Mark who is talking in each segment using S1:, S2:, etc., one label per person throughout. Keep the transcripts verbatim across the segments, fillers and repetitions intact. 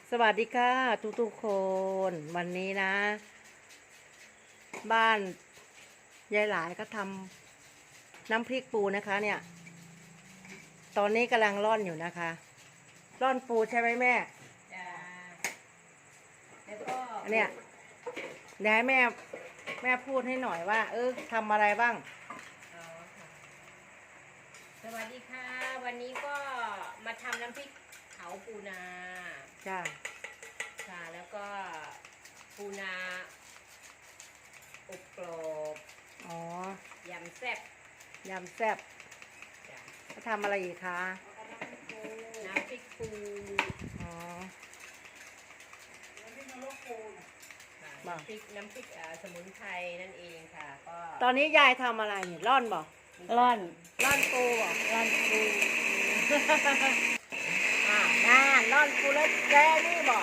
S1: สวัสดีค่ะทุกทุกคน วันนี้นะ บ้านยายหลายก็ทำน้ำพริกปูนะคะ เนี่ย ตอนนี้กำลังร่อนอยู่นะคะ ร่อนปูใช่ไหมแม่
S2: จ้าแล้วก็
S1: เนี่ยเดี๋ยวให้แม่แม่พูดให้หน่อยว่า เออทำอะไรบ้าง
S2: อ๋อค่ะสวัสดีค่ะ วันนี้ก็มาทำน้ำพริกเผาปูนา
S1: จ้า
S2: ค่ะแล้วก็ปูนาอบกรอบ
S1: อ๋อย
S2: ำแซ่บ
S1: ยำแซ่บ
S2: จ้ะ
S1: จะทำอะไรอีกคะ
S2: น้ำพริกปู
S1: อ๋อ
S2: น้ำพริกนรกปูน้ำพริกน้ำพริกสมุนไพรนั่นเองค่ะก็
S1: ตอนนี้ยายทำอะไรเนี่ยร่อนบอก
S2: ร่อน
S1: ร่อนปูบอก
S2: ร่อนปู
S1: อ่าน่าร่อนปูแล้วแกนี่บอก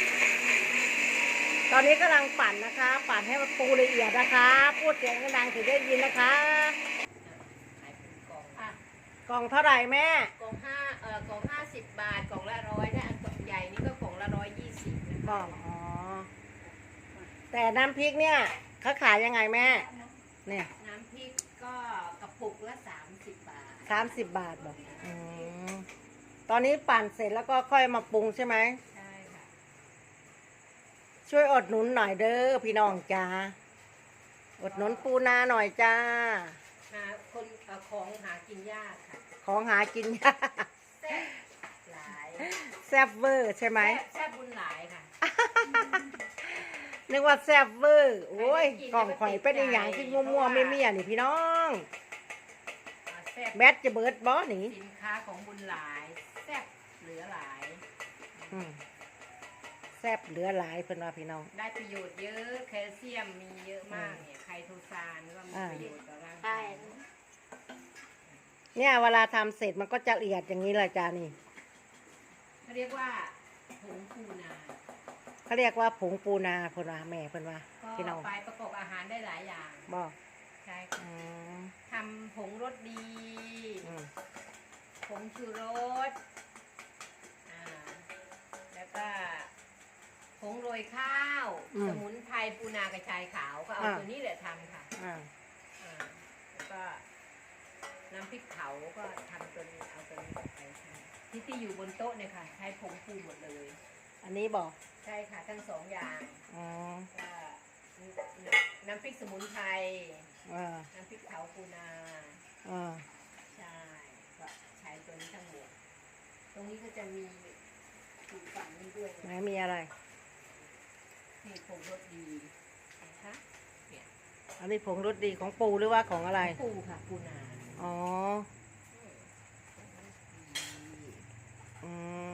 S1: ตอนนี้กำลังปั่นนะคะ ปั่นให้มันปูละเอียดนะคะ พูดเสียงดังๆถึงได้ยินนะคะ
S2: ขายเป็นกล่อง
S1: อ่ะกล่องเท่าไหร่แม่
S2: กล่องห้าเอ่อกล่องห้าสิบบาทกล่องละร้อยได้อันใหญ่นี่ก็กล่องละร้อยยี่สิบนะ
S1: กล่องอ๋อแต่น้ำพริกเนี่ยเขาขายยังไงแม่เนี่ย
S2: น้ำพริกก็กระปุกละสามสิบบาท
S1: สามสิบบาทบอกอืมตอนนี้ปั่นเสร็จแล้วก็ค่อยมาปรุงใช่ไหม
S2: ใช่ค่ะ
S1: ช่วยอดหนุนหน่อยเด้อพี่น้องจ้าอดหนุนปูนาหน่อยจ้า
S2: นาคนของหากินยากค่ะ
S1: ของหากินยาก
S2: แซ่บหลาย
S1: แซ่บเวอร์ใช่ไหม
S2: แซ่บบุญหลายค่ะ
S1: นึกว่าแซ่บเวอร์โอ้ยกล่องข่อยเป็นอย่างที่มัวๆไม่เมียนี่พี่น้องแบทจะเบิร์ดบอสนี่
S2: สินค้าของบุญหลายแซ่บเหลือหลาย
S1: แซ่บเหลือหลายเพิ่นว่าพี่น้อง
S2: ได้ประโยชน์เยอะแคลเซียมมีเยอะมากเนี่ยไคโตซานก็มีประโยชน์ต่อร่างกาย
S1: เนี่ยเวลาทำเสร็จมันก็จะละเอียดอย่างนี้เลยจ้านี่
S2: เขาเรียกว่าผงปูนา
S1: เขาเรียกว่าผงปูนาเพิ่นว่าแม่เพิ่นว่าพี่น้อง
S2: ไปประกอบอาหารได้หลายอย่าง
S1: บอก
S2: ใช่ค่ะทำผงรสดีผงชูรสอ่าแล้วก็ผงโรยข้าวสมุนไพรปูนากระชายขาวก็เอาตัวนี้แหละทำค่ะแล้วก็น้ำพริกเผาก็ทำตัวนี้เอาตัวนี้ไปใช้ที่ที่อยู่บนโต๊ะเนี่ยค่ะใช้ผงปูหมดเลย
S1: อันนี้บอก
S2: ใช่ค่ะทั้งสองอย่างก็น้ำพริกสมุนไพรน้ำพริกเผาปูนาใช่ก็ใช้ตัวนี้ทั้งหมดตรงนี้ก็จะมีถูกฝั่งนี้ด้วย
S1: ไหนมีอะไร
S2: นี่ผงรสดีนะคะเนี่ย
S1: อันนี้ผงรสดีของปูหรือว่าของอะไร
S2: ปูค่ะปูนา
S1: อ๋ออืม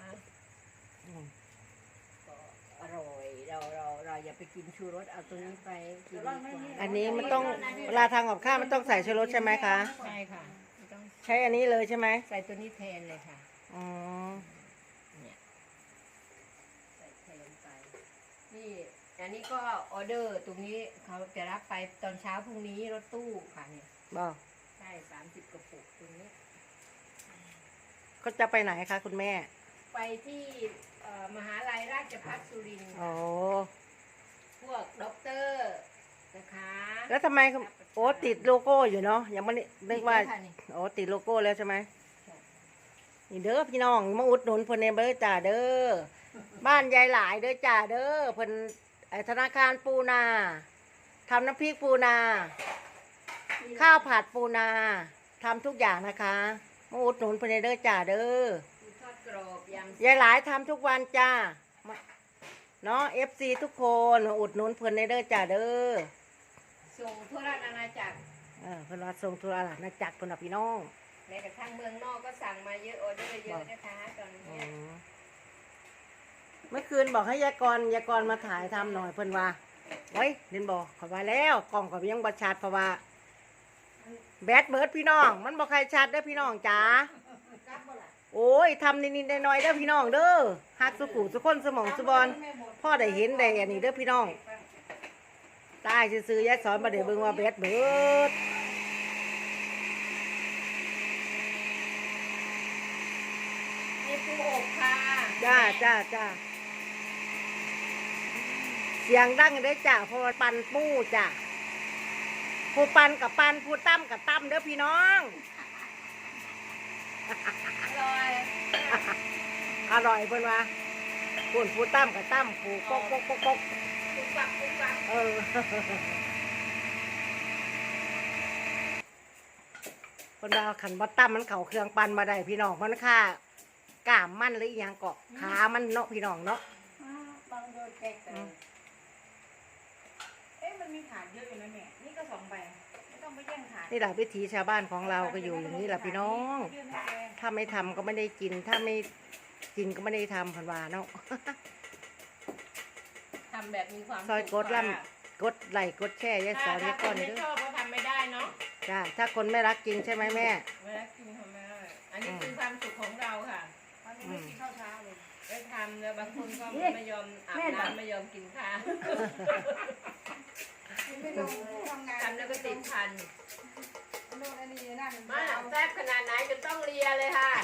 S2: อร่อยเราเราเราอย่าไปกินชูรสเอาตัวนี้ไปกิน
S1: อันนี้มันต้องเวลาทำกับข้าวมันต้องใส่ชูรสใช่ไหมคะ
S2: ใช่ค่ะ
S1: ใช้อันนี้เลยใช่ไหม
S2: ใส่ตัวนี้แทนเลยค่ะ
S1: อ๋อ
S2: เนี่ยใส่แทนไปนี่อันนี้ก็ออเดอร์ตรงนี้เขาจะรับไปตอนเช้าพรุ่งนี้รถตู้ค่ะเนี่ย
S1: บอก
S2: ใช่สามสิบกระปุกตรงนี้
S1: ก็จะไปไหนคะคุณแม่
S2: ไปที่มหาลัยราชภัฏสุรินทร์
S1: โอ้
S2: พวกด็อกเตอร์นะคะ
S1: แล้วทำไมโอ้ติดโลโก้อยู่เนาะยังไม่นึกว่าโอ้ติดโลโก้แล้วใช่ไหมนี่เด้อพี่น้องมาอุดหนุนเพิ่นเเด้อจ่าเด้อบ้านยายหลายเด้อจ่าเด้อเพิ่นธนาคารปูนาทำน้ำพริกปูนาข้าวผัดปูนาทำทุกอย่างนะคะมาอุดหนุนเพิ่นเด้อจ่าเด้อยายหลายทำทุกวันจ้าเนาะเอฟซีทุกคนอุดหนุนเพิ่นเด้อจ่าเด้อ
S2: ส่งทั่วราชอาณาจักร
S1: เออเพิ่นว่าส่งทั่วราชอาณาจักรเพิ่นว่าพี่น้อง
S2: แม้กระทั่งเมืองนอกก็สั่งมาเยอะออเดอร์เยอะนะคะตอนนี้
S1: เมื่อคืนบอกให้ยายกรยายกรมาถ่ายทำหน่อยเพิ่นว่าเฮ้ยเดินบอกขอว่าแล้วกล่องก็ยังบ่ชัดเพราะว่าแบตเบิร์ดพี่น้องมันบ่ใครชัดได้พี่น้องจ๋าโอ้ยทำนิดๆหน่อยๆเด้อพี่น้องเด้อฮักสุขุสุคนสมองสุบอลพ่อได้เห็นได้อันนี้เด้อพี่น้องตายซื้อยายสอนมาเดี๋ยวเบิ่งว่าแบตเบิร์ด
S2: นี่ปูอบค่ะ
S1: จ้าจ้าจ้าเสียงดังเด้อจ้ะเพราะว่าปันปู้จ้ะผู้ปันกับปันผู้ตั้มกับตั้มเด้อพี่น้อง
S2: อร่อย
S1: อร่อยเพิ่นว่าผู้ผู้ตั้มกับตั้มผู้กกกกกกก
S2: ปุกปักปุกปัก
S1: เออ เพิ่นว่าขันบ่ตั้มมันเข่าเครื่องปันมาได้พี่น้องมันค่ากล้ามมันหรืออหยังเกาะขามันเนาะพี่น้องเนาะ
S2: บางโดนแตกเลยเอ๊ะมันมีฐานเยอะอยู่นะแม่นี่ก็สองใบไม่ต้องไปแย่งฐาน
S1: นี่แหละวิถีชาวบ้านของเราก็อยู่อย่างนี้แหละพี่น้อง ถ้าไม่ทำก็ไม่ได้กิน ถ้าไม่กินก็ไม่ได้ทำเพันวาเนาะ
S2: ทำแบบมีความ
S1: ซอยกดล่ำกดไหลค์กดแช่ยายส
S2: ถ้า
S1: อนาย
S2: ถ้ายค
S1: ก้อน น
S2: ไม่
S1: เด้อ
S2: ชอบก็ทำไม่ได้เนาะ
S1: จ้าถ้าคนไม่รักจริงใช่ไหมแม่
S2: เวลากินทำไม่ได้อันนี้คือความสุขของเราค่ะ
S3: วันนี้ไม่กินข้าวเช้าเลย
S2: ได้ทำแล้วบางคนก็ไม่ยอมอาบน้ำไม่ยอมกินข้าว
S3: ไม่ลงทำงาน
S2: ทำแล้วก็ติดพัน
S3: โน่นอันนี้นั่น
S2: มาหลังแซ่บขนาดไหนจนต้องเลียเลยค่ะ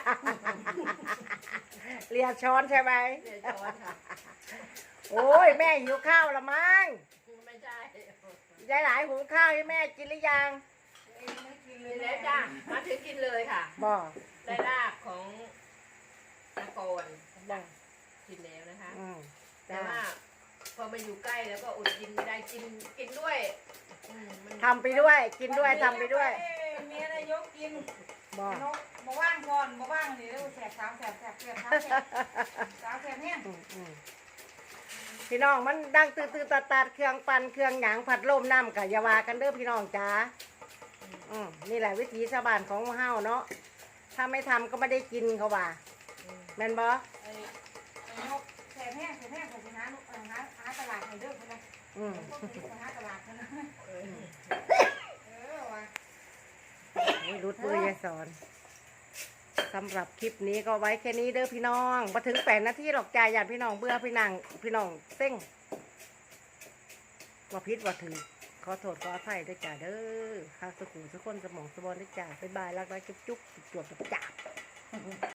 S1: เรียช้อนใช่ไหม
S2: เลียช้อนค่ะ
S1: โอ้ยแม่หิวข้าวละมั้ง
S2: ไม่ใช่
S1: ยายหลายหุงข้าวให้แม่กินหรือยัง
S3: ไม่กินเล
S2: กิ
S3: ย
S2: นแล้วจ้ามาถึงกินเลยค่ะ
S1: บอก
S2: ได้ลาบของตะโกน
S1: บอก
S2: กินแล้วนะคะ
S1: อืม
S2: แต่
S1: จ้า
S2: ว่าพอมาอยู่ใกล้แล้วก็อดกินไม่ได้กินกินด้วยอืมมัน
S1: ทำไปด้วย กินด้วยทำไปด้วย
S3: เมียนายกกิน
S1: บอก
S3: นกมาว่างก่อนมาว่างนี่แล้วแสบสามแสบแสบแสบสามแสบสามแสบเนี่ย
S1: อืมอืมพี่น้องมันดังตื่นตื่นตัดตัดเครื่องปั่นเครื่องหยางผัดลมน้ำกับยาวากันเด้อพี่น้องจ้าอืมนี่แหละวิถีชาวบ้านของเฮาเนาะถ้าไม่ทำก็ไม่ได้กินเขาว่าแม่นบอ
S3: ไอ้นกแสบแห้งแสบแห้งผมไปหาลูกหาหาตลาดให้เด้อคนละ
S1: อืม
S3: ต้องไปหาตลาดคนละเออว่ะ
S1: นี่รุดมือยายสอนสำหรับคลิปนี้ก็ไว้แค่นี้เด้อพี่น้องมาถึงแปดนาทีหรอกจ่ายญาติพี่น้องเบื่อพี่นางพี่น้องเส้งว่าพิษว่าถือขอโทษขออภัยด้วยจ้าเด้อข้าสุขุมสุขคนสมองสมองด้วยจ้าบ๊ายบายรักรักจุ๊บจุ๊บจวบจวบจับ